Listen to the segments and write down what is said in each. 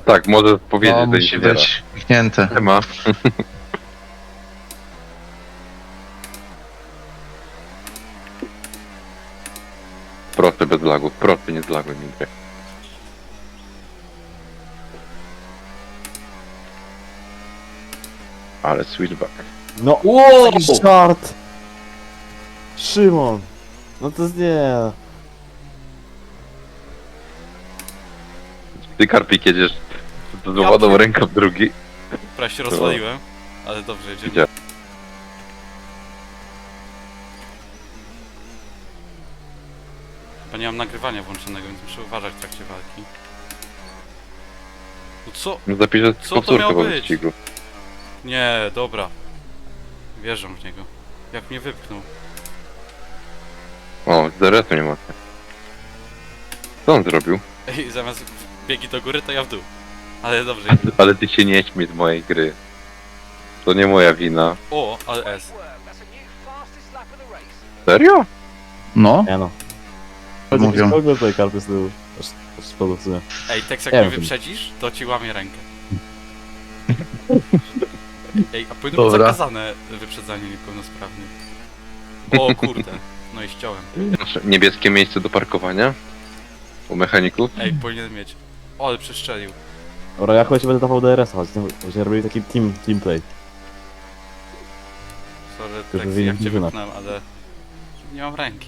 Tak, może powiedzieć, No, że musi się wiera. być kliknięte. Nie ma. Prosty bez lagów, prosty, nie zlaguj mi gry. Ale switchback. No, Wow! taki żart! Szymon! No to jest nie... Ty, Karpik, jedziesz z wodą ręką w drugi. Prawie się rozwaliłem, ale dobrze jedziemy. Gdzie? Chyba nie mam nagrywania włączonego, więc muszę uważać w trakcie walki. No co? Zapiszę Co to powtórkę miało po być? wyścigu. Nie, dobra. Wierzę w niego. Jak mnie wypchnął. O, z DRS-u nie ma. Co on zrobił? Ej, zamiast biegi do góry, to ja w dół. Ale dobrze. Ale ty się nie śmiej z mojej gry. To nie moja wina. O, ale S. Serio? No, Nie no. mówią. W ogóle tutaj karpy z tyłu. Aż szkoda w sumie. Ej, Tex, jak Nie mnie wiem. wyprzedzisz, to ci łamię rękę. Ej, a powinno być Dobra. zakazane wyprzedzanie niepełnosprawnych. O kurde, no i ściąłem. Niebieskie miejsce do parkowania? U mechaników? Ej, powinien mieć. O, ale przeszczelił. Dobra, ja chyba ci będę dawał DRS-a, chodź, robili taki team play. Sorry, Tylko Tex, wyjdzie jak cię drużyna. wypchnąłem, ale... Nie mam ręki.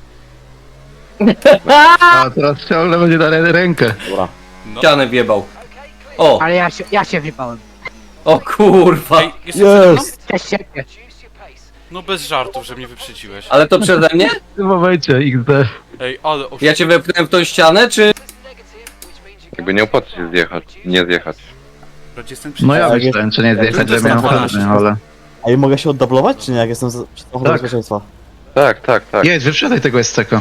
A teraz ciągle będzie dalej rękę. Dobra. No. Ścianę wjebał. O! Ale ja się wypałem. O kurwa! Ej, jesteś ze mną? Jest! Cześć się. No bez żartów, że mnie wyprzedziłeś. Ale to przeze mnie? W tym momencie XD. Ej, ale... Ja cię wepchnąłem w tą ścianę, czy... Jakby nie opłaca się zjechać, nie zjechać. Jestem No ja Tak, myślałem, czy nie jak zjechać, to żeby jest miał na ochotę, ale... A i mogę się oddublować, czy nie, jak jestem przed samochodem Tak. bezpieczeństwa? Tak, tak, tak. Jedź, wyprzedaj tego SC-ka.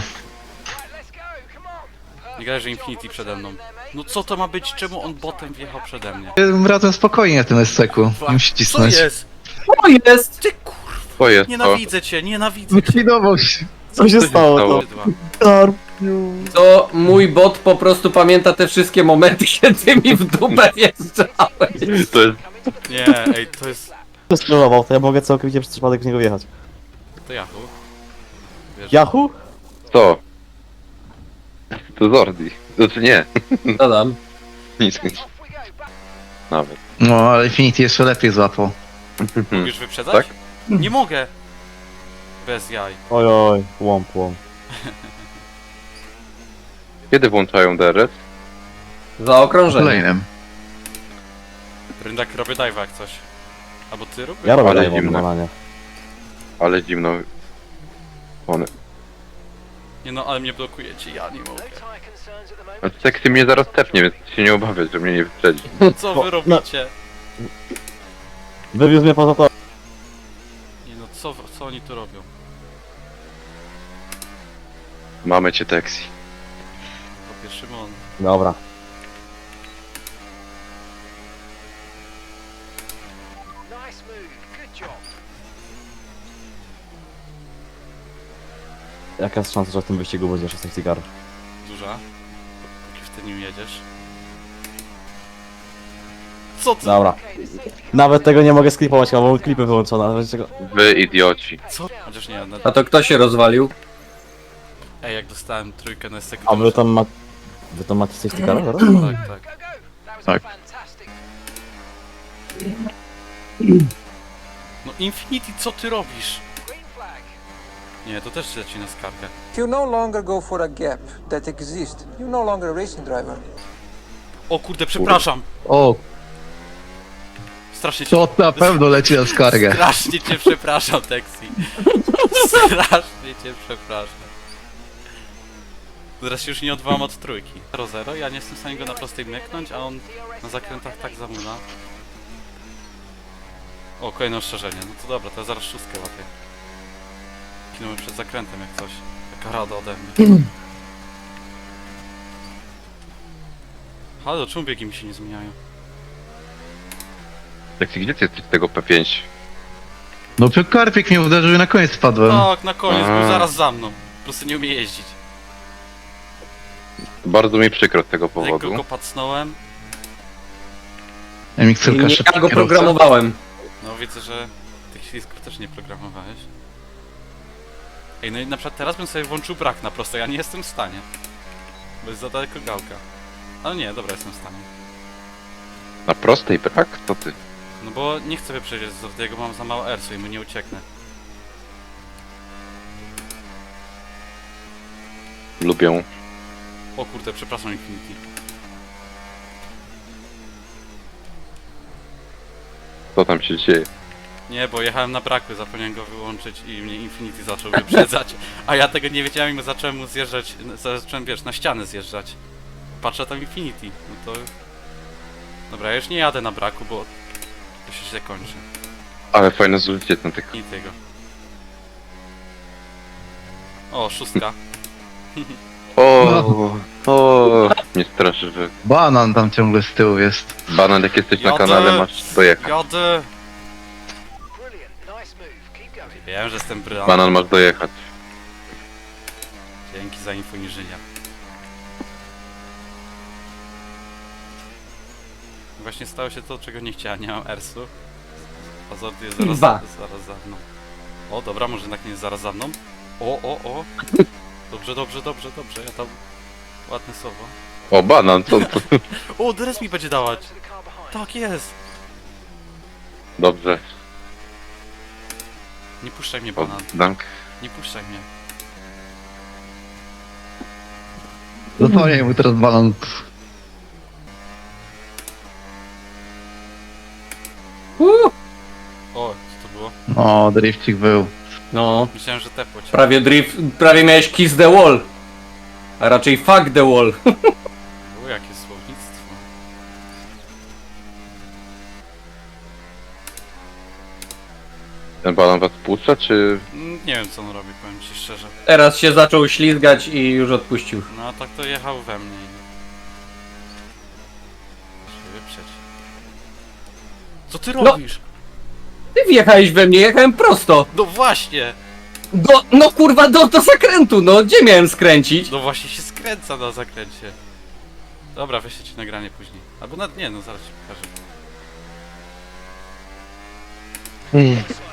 Nie gadaj, że Infinity przede mną. No co to ma być? Czemu on botem wjechał przede mnie? Razem spokojnie na tym SC-ku. Nie musi Co cisnąć. jest? O jest! Ty kurwa, To jest to. nienawidzę cię, nienawidzę cię. Likwidował się. Co się stało? stało? To? Bydła. Karpiu! To mój bot po prostu pamięta te wszystkie momenty, kiedy mi w dupę wjeżdżałeś. To jest... Nie, ej, to jest... Kto strollował, to ja mogę całkowicie przez przypadek w niego wjechać. To Yahoo. Wiesz, Yahoo? To. To Zordi. Znaczy nie. Dodam. Nic. Nawet. No, ale Infinity jeszcze lepiej złapał. Mówisz wyprzedzać? Tak? Nie mogę. Bez jaj. Ojoj, łomp. Kiedy włączają DRS? Za okrążenie. Kolejnym. Ryndak robię dive'a jak coś. Albo ty rób? Ja robię Ale live'a zimne. normalnie. Ale zimno. One. Nie no, ale mnie blokujecie, ja nie mogę. A Sexy mnie zaraz tepnie, więc się nie obawiać, że mnie nie wyprzedzi. Co wy robicie? Wywiózł mnie poza to. Nie no, co oni tu robią? Mamy cię, Texi. Chłopie, Szymon. Dobra. Jaka jest szansa, że w tym wyścigu będzie 16 car? Duża. Póki w ty nim jedziesz. Co ty? Dobra. Nawet tego nie mogę sklipować, bo mam klipy wyłączone, ale wiecie czego? Wy idioci. Co? Chociaż nie, A to kto się rozwalił? Ej, jak dostałem trójkę na sekundę. A wy tam ma... Wy tam macie 60 car? Dobra? Tak, tak. Tak. No Infinity, co ty robisz? Nie, to też leci na skargę. You no longer go for a gap that exists. You're no longer a racing driver. O kurde, przepraszam! O, Strasznie cię... to na pewno leci na skargę. Strasznie cię przepraszam, Texi. Strasznie cię przepraszam. Teraz się już nie odwołam od trójki. 0-0, ja nie jestem w stanie go na prostej myknąć, a on na zakrętach tak zamula. O, kolejne ostrzeżenie. No to dobra, to ja zaraz szóstkę łapię. Kilometr przed zakrętem jak coś. Taka rada ode mnie. Halo, czemu biegi mi się nie zmieniają? Texi, gdzie ty jesteś z tego P5? No, Karpik mnie uderzył i na koniec spadłem. Tak, na koniec, był A. zaraz za mną. Po prostu nie umie jeździć. Bardzo mi przykro z tego Lekko powodu. go pacnąłem. MX-ylka Ja szybka go kierowca. programowałem. No widzę, że tych ślisków też nie programowałeś. Ej, no i na przykład teraz bym sobie włączył brak na prostej, ja nie jestem w stanie. Bo jest za daleko gałka. Ale nie, dobra, jestem w stanie. Na prostej brak? Co ty? No bo nie chcę wyprzedzić z Zordiego, mam za mało ersu i mu nie ucieknę. Lubią. O kurde, przepraszam Infinity. Co tam się dzieje? Nie, bo jechałem na braku, zapomniałem go wyłączyć i mnie Infinity zaczął wyprzedzać. A ja tego nie wiedziałem i zacząłem mu zjeżdżać, zacząłem, wiesz, na ścianę zjeżdżać. Patrzę tam Infinity, no to... Dobra, ja już nie jadę na braku, bo to się źle kończy. Ale fajne zużycie na tych... I tego. O, 6. O, mnie straszy, że Banan tam ciągle z tyłu jest. banan jak jesteś na Jadę. kanale masz dojechać. Jadę! Wiem, że jestem brylant. Banan masz dojechać. Dzięki za info inżynier. Właśnie stało się to, czego nie chciałem, nie mam ersu. A Zordy jest zaraz za mną. O, dobra, może jednak nie jest zaraz za mną. O. Dobrze, ja tam... Ładne słowo. O, banan, co to? O, dres mi będzie dawać! Tak jest! Dobrze. Nie puszczaj mnie, O, banan. dank. Nie puszczaj mnie. Zapomnij mu teraz banan. O, co to było? O, drifcik był. No, Myślałem, że tepło cię. prawie miałeś kiss the wall. A raczej fuck the wall. O, jakie słownictwo. Ten banan was puszcza, czy... Nie wiem, co on robi, powiem ci szczerze. Teraz się zaczął ślizgać i już odpuścił. No, tak to jechał we mnie. Się wyprzeć. Co ty robisz? Ty wjechałeś we mnie, jechałem prosto. No właśnie! No kurwa, do zakrętu, no gdzie miałem skręcić? No właśnie się skręca na zakręcie. Dobra, weźcie ci nagranie później. Albo nie, no zaraz ci pokażę.